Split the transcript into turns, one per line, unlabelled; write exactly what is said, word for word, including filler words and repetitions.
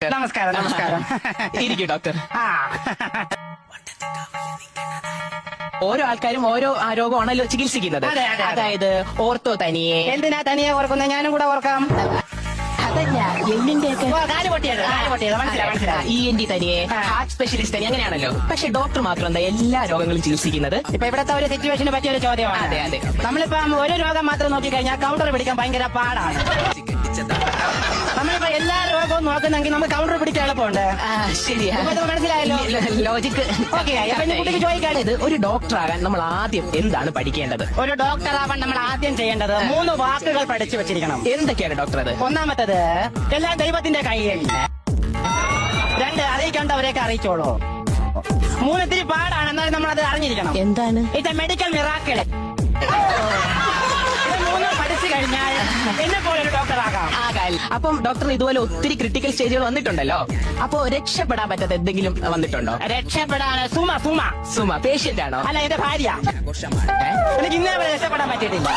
നമസ്കാരം നമസ്കാരം
ഇരിക്കൂ ഡോക്ടർ.
ആ
ഓരോ ആൾക്കാരും ഓരോ ആ രോഗമാണല്ലോ ചികിത്സിക്കുന്നത്.
അതെ, അതെ, അതെ.
അതായത് ഓർത്തോ തനിയെ,
എന്തിനാ തനിയെ ഓർക്കുന്നത്? ഞാനും കൂടെ ഓർക്കാം.
അതല്ല എല്ലിന്റെ ഒക്കെ
ഓ, കാല് പൊട്ടിയത് കാല് പൊട്ടിയത് മനസ്സിലായി മനസ്സിലായി.
ഇ എൻ ഡി തനിയെ,
ആ.
ഹാർട്ട് സ്പെഷ്യലിസ്റ്റ് തനിയെ, അങ്ങനെയാണല്ലോ. പക്ഷെ ഡോക്ടർ മാത്രം എന്താ എല്ലാ രോഗങ്ങളും ചികിത്സിക്കുന്നത്?
ഇപ്പൊ ഇവിടത്തെ ഒരു സിറ്റുവേഷന് പറ്റിയ ഒരു ചോദ്യമാണ്.
അതെ, അതെ.
നമ്മളിപ്പം ഒരു രോഗം മാത്രം നോക്കിക്കഴിഞ്ഞാൽ കൗണ്ടർ പിടിക്കാൻ ഭയങ്കര പാടാണ്. നമ്മളിപ്പോ എല്ലാ രോഗവും നോക്കുന്നെങ്കിൽ നമുക്ക് കൗണ്ടർ പിടിക്കാൻ എളുപ്പമുണ്ട്.
ആ, ശരിയാ.
ഇപ്പൊ ഇത് മനസ്സിലായല്ലോ.
ലോജിക്ക്.
ഓക്കെ, അപ്പൊ ഇനി കുട്ടിക്ക് ചോദിക്കാൻ,
ഇത് ഒരു ഡോക്ടർ ആകാൻ നമ്മൾ ആദ്യം എന്താണ് പഠിക്കേണ്ടത്?
ഒരു ഡോക്ടർ ആവാൻ നമ്മൾ ആദ്യം ചെയ്യേണ്ടത് മൂന്ന് വാക്കുകൾ പഠിച്ചു വെച്ചിരിക്കണം.
എന്തൊക്കെയാണ് ഡോക്ടർ അത്?
ഒന്നാമത്തത് എല്ലാം ദൈവത്തിന്റെ കയ്യിൽ. രണ്ട്, അറിയിക്കേണ്ടവരെയൊക്കെ അറിയിച്ചോളൂ. മൂന്ന്, ഇത്തിരി പാടാണ്, എന്നാലും നമ്മൾ അത് അറിഞ്ഞിരിക്കണം.
എന്താണ്?
ഇത് മെഡിക്കൽ മിറാക്കിൾ. ഇത് മൂന്നും പഠിച്ചു കഴിഞ്ഞാൽ എന്നെ പോലെ ഒരു ഡോക്ടർ ആകാം.
ആകാൽ. അപ്പം ഡോക്ടറിന് ഇതുപോലെ ഒത്തിരി ക്രിട്ടിക്കൽ സ്റ്റേജുകൾ വന്നിട്ടുണ്ടല്ലോ. അപ്പോ രക്ഷപ്പെടാൻ പറ്റാത്ത എന്തെങ്കിലും വന്നിട്ടുണ്ടോ?
രക്ഷപ്പെടാൻ സുമ സുമ
സുമ പേഷ്യന്റ് ആണോ?
അല്ല, എന്റെ ഭാര്യ.
ഏ?
എനിക്ക് ഇന്നേ വരെ രക്ഷപ്പെടാൻ പറ്റിയിട്ടില്ല.